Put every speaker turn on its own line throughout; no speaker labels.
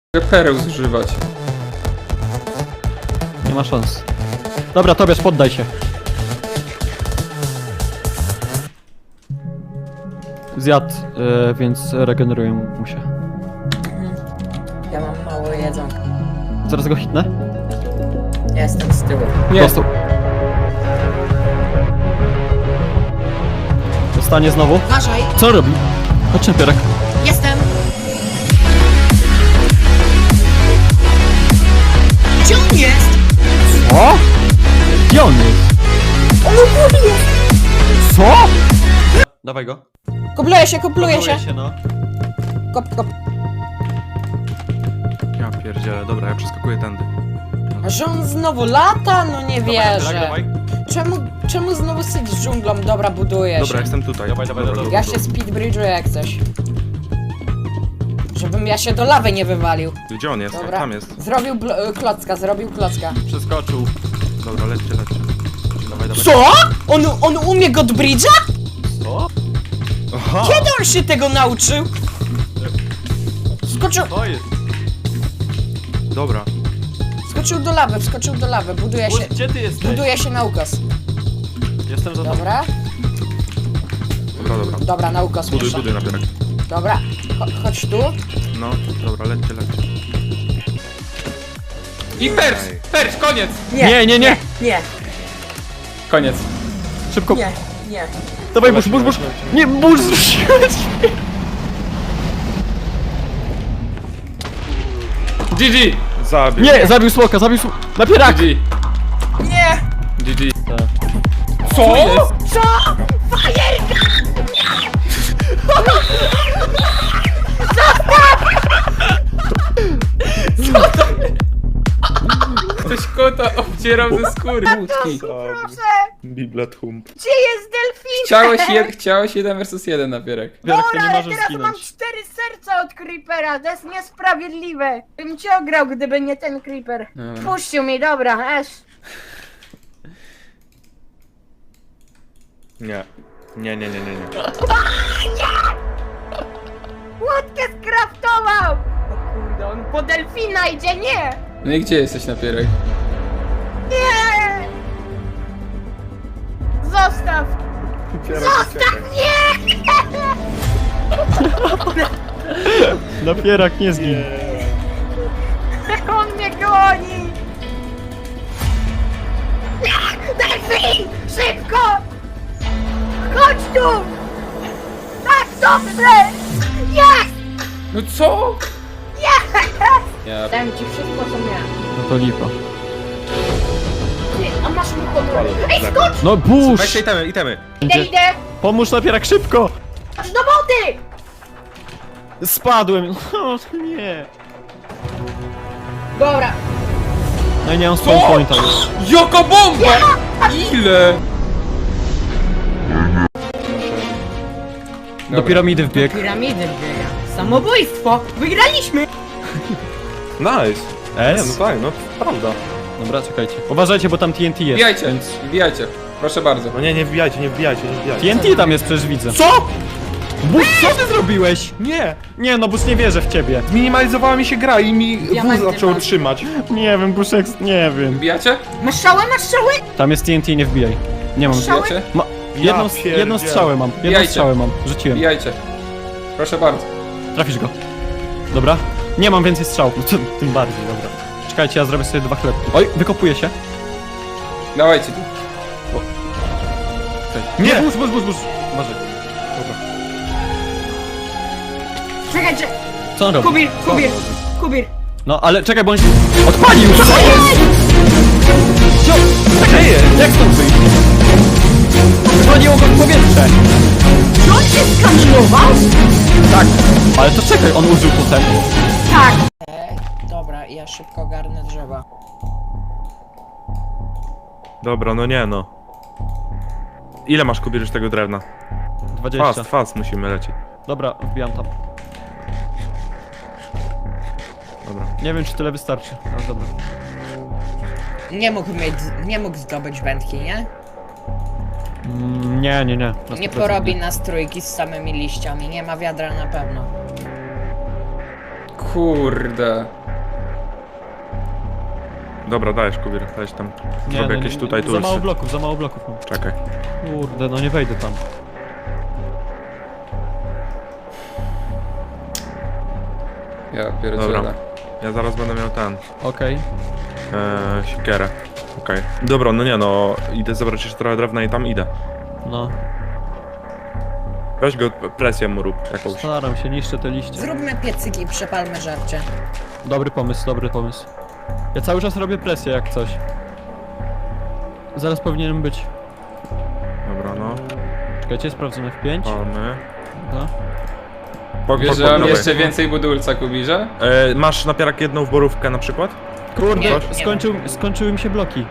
Pereł zużywać.
Nie ma szans. Dobra, Tobiasz, poddaj się. Zjadł, więc regeneruję mu się.
Ja mam mało jedzonka.
Zaraz go hitnę.
Ja jestem z tyłu.
Nie.
Dostał. Dostanie znowu.
Uważaj!
Co on robi? Chodź na pierak.
Jestem! Gdzie on jest?
Co? Gdzie on jest?
On u góry jest!
Co? Dawaj go.
Kopluje się, kopluje się!
no.
Kop, kop.
Ja pierdzielę, dobra, ja przeskakuję tędy.
A że on znowu lata? No nie
Dawaj,
wierzę.
dawaj.
Czemu znowu syć z dżunglą? Dobra, buduję
Dobra,
się.
jestem tutaj.
Dawaj, dawaj, dawaj.
Ja się speedbridge'uję jak coś. Żebym ja się do lawy nie wywalił.
Gdzie on jest?
Dobra.
Tam jest.
Zrobił klocka, zrobił klocka.
Przeskoczył.
Dobra, lećcie. Dawaj, dawaj.
Co? On umie Godbridge'a?
Co?
Aha!
Kiedy on się tego nauczył? Skoczył,
To jest.
Dobra.
wskoczył do lawy, buduje się.
Gdzie ty jesteś?
Buduje się na ukos.
Jestem za tobą.
Dobra?
Dobra.
Dobra, na ukos
Buduj,
miesza.
buduj na pierak.
Dobra, chodź tu.
No, dobra, lećcie.
I percz! Percz, koniec!
Nie, nie, nie.
Nie,
Koniec.
Szybko.
nie.
Dawaj, burz. Nie, burz zrzuciłeś.
GG!
Zabił.
Nie, zabił smoka. Na pierak.
GG!
Nie!
GG.
Tak.
Co?
Co? Fajerka!
Ktoś kota obcierał ze skóry. Łódki.
Biblet hump.
Gdzie jest delfin?
Chciałeś 1 vs 1 na pierek.
Pierak, to nie
ale
możesz
teraz mam
zginąć.
4 serca od Creepera, to jest niesprawiedliwe. Bym cię ograł, gdyby nie ten Creeper.
Dobra.
Puścił mi, dobra,
Nie. Nie.
Łódkę skraftował! O kurde, on po delfina idzie, nie!
No i gdzie jesteś na pierek?
Nie! Zostaw! Zostaw mnie!
Na pierak nie zgin.
On mnie goni! Delfin! Szybko! Chodź tu! Tak, dobrze! Jest!
No co?
Jest!
Ja...
Dałem ci wszystko, co miałem.
No to lipa.
Ty, a masz mój kontrol. Ej, skocz!
No burz.
Weźcie itemy.
Idę!
Pomóż na pierak szybko.
Skocz do wody!
Spadłem. O, nie.
Dobra.
No i nie mam spawn pointa już.
Jaka bomba! Ile?
Do piramidy wbiegł.
Piramidy biega. Samobójstwo! Wygraliśmy!
Nice.
S?
No tak, no prawda.
Dobra, czekajcie. Uważajcie, bo tam TNT jest.
Wbijajcie,
Więc...
wbijajcie. Proszę bardzo.
No nie wbijajcie.
TNT tam jest, przecież widzę.
Co?
Bus, co ty zrobiłeś?
Nie.
Nie, no Bus, nie wierzę w ciebie.
Zminimalizowała mi się gra i mi
Diamenty
wóz zaczął
masz.
trzymać.
Nie wiem, Buszek, nie wiem.
Wbijacie?
Masz strzałę, masz strzałę!
Tam jest TNT, nie wbijaj. Nie mam.
Strzały?
Wbijacie?
Jedną
pierdzielę.
strzałę mam. Jedną
Wbijajcie.
strzałę mam. Rzuciłem.
Wbijajcie. Proszę bardzo.
Trafisz go. Dobra. Nie mam więcej strzał. No, tym bardziej, dobra. Czekajcie, ja zrobię sobie 2 chlebki. Oj, wykopuję się.
Dawajcie tu.
Nie.
Burz. Uważaj.
Czekajcie!
Co on robi?
Kubir!
No, ale czekaj, bo on się odpalił! Co jest? Czekaj, jak stąd wyjść? Zwolniło go w powietrze!
Czy on się skamilował?
Tak, ale to czekaj, on użył potem.
Tak!
Dobra, ja szybko garnę drzewa.
Dobra, no nie no. Ile masz kubierz tego drewna?
20.
Fast, musimy lecieć.
Dobra, wbijam tam.
Dobra.
Nie wiem, czy tyle wystarczy, ale dobra.
Nie mógł zdobyć wędki, nie?
Nie. Na
Nie
100%
porobi nas trójki z samymi liściami, nie ma wiadra na pewno.
kurde.
Dobra, dajesz, Kubir, dajesz tam. Robię jakieś tutaj
Za mało
tulsy.
bloków mam.
Czekaj.
Kurde, no nie wejdę tam.
Ja pierdzielę.
Dobra. Ja zaraz będę miał ten,
Okej.
siekierę. Okej. Dobra, no nie no, idę zebrać jeszcze trochę drewna i tam idę.
No.
Weź go, presję mu rób jakąś.
Staram się, niszczę te liście.
Zróbmy piecyki i przepalmy żarcie.
Dobry pomysł, dobry pomysł. Ja cały czas robię presję jak coś. Zaraz powinienem być.
Dobra, no.
Czekajcie, sprawdzę F5.
Palmy.
No.
Wiesz, że mam jeszcze więcej budulca, Kubirze?
Masz napierak jedną w borówkę na przykład?
Kurde,
Nie,
skończyły mi się bloki.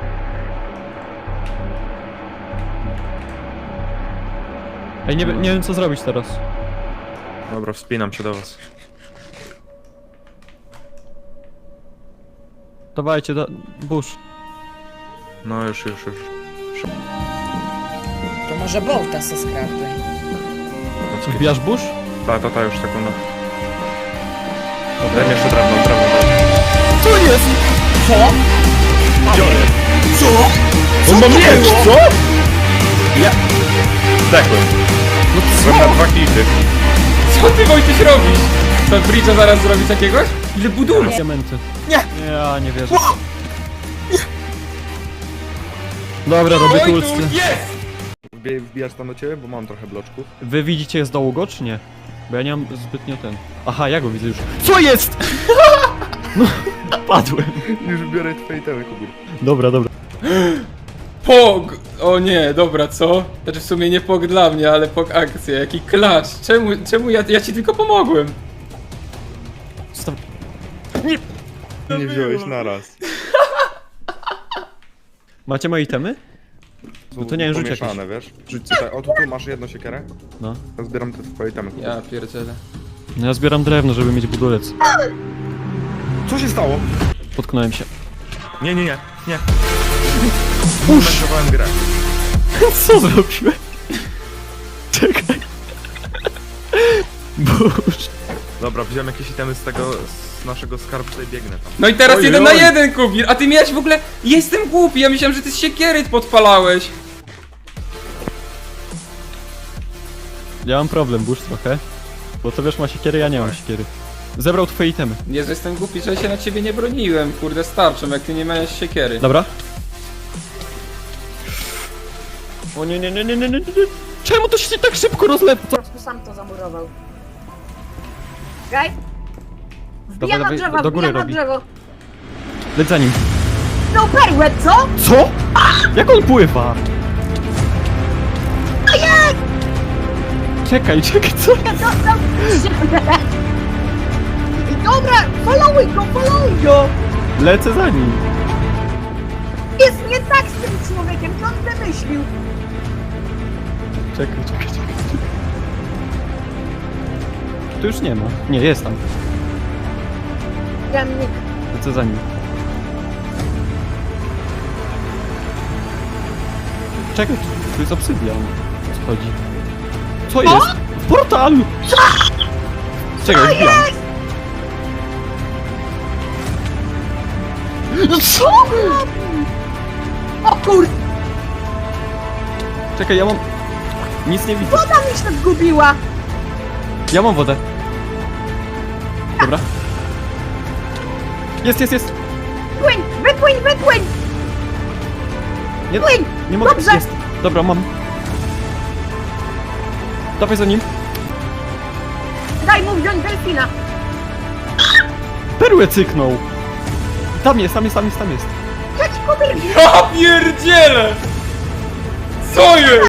Ej, nie wiem co zrobić teraz.
Dobra, wspinam się do was.
Dawajcie, burz.
No już.
To może Bolta se skraftuj.
Wbijasz burz?
Ta, już sekundę. Daj mi jeszcze drewno.
Co jest?
Co?
On ma miecz, co? Ja... Zdechłem. Zrobię na 2 hity.
Co ty, Wojtyś, robisz? To Bridge'a zaraz zrobić jakiegoś? Ile budulca?
Diamenty.
Nie.
Ja nie wierzę. Dobra, robię
Wojtuś,
tulscy.
jest!
Wbijasz tam do ciebie, bo mam trochę bloczków.
Wy widzicie z dołu go, czy nie? Bo ja nie mam zbytnio ten... Aha, ja go widzę już. Co jest? No, padłem.
Już biorę twoje temy, Kubir.
Dobra.
Pog! O nie, dobra, co? Znaczy w sumie nie pog dla mnie, ale pog akcja, jaki klacz. Czemu ja ci tylko pomogłem?
Staw...
Nie wziąłeś naraz.
Macie moje itemy? No to nie wiem, rzuć jakieś.
Pomieszane, wiesz? Rzuć tutaj. O, tu masz jedną siekierę.
No.
Ja zbieram te twoje temy.
Ja pierdzielę.
No ja zbieram drewno, żeby mieć budulec.
Co się stało?
Potknąłem się.
Nie. Uszowałem grę.
Co zrobiłem? Czekaj. Boże.
Dobra, wziąłem jakieś itemy z naszego skarbca i biegnę tam.
No i teraz
Ojej.
1 na 1, Kubir, a ty miałeś w ogóle... Jestem głupi, ja myślałem, że ty z siekiery podpalałeś.
Ja mam problem, burz trochę. Bo to wiesz, ma siekiery, ja nie mam siekiery. Zebrał twoje itemy.
Nie, że jestem głupi, że się na ciebie nie broniłem, kurde, starczą, jak ty nie miałeś siekiery.
Dobra. O nie. Czemu to się tak szybko rozlewa?
Po prostu sam to zamurował. Okej?
Dobra,
Wbijam na drzewo,
do góry
wbijam na
robi.
drzewo.
Leć za nim.
No perłę, co?
Co? Jak on pływa? Czekaj, co?
Dostał Dobra, followuj go!
Lecę za nim.
Jest nie tak z tym człowiekiem, co on wymyślił?
Czekaj. Tu już nie ma. Nie, jest tam.
Jamnik.
Lecę za nim. Czekaj, tu jest obsydian. O co chodzi? Co jest? Portal! Czekaj, wbijam.
Co? O kur...
Czekaj, ja mam... Nic nie widzę.
Woda mi się zgubiła!
Ja mam wodę. Dobra. Jest.
Wypłyń!
Nie,
Płyń!
nie mogę.
Dobrze.
Jest. Dobra, mam. Dawaj za nim.
Daj mu wziąć delfina!
Perłę cyknął. Tam jest.
Chodź, Kubir!
Ja pierdzielę! Co jest?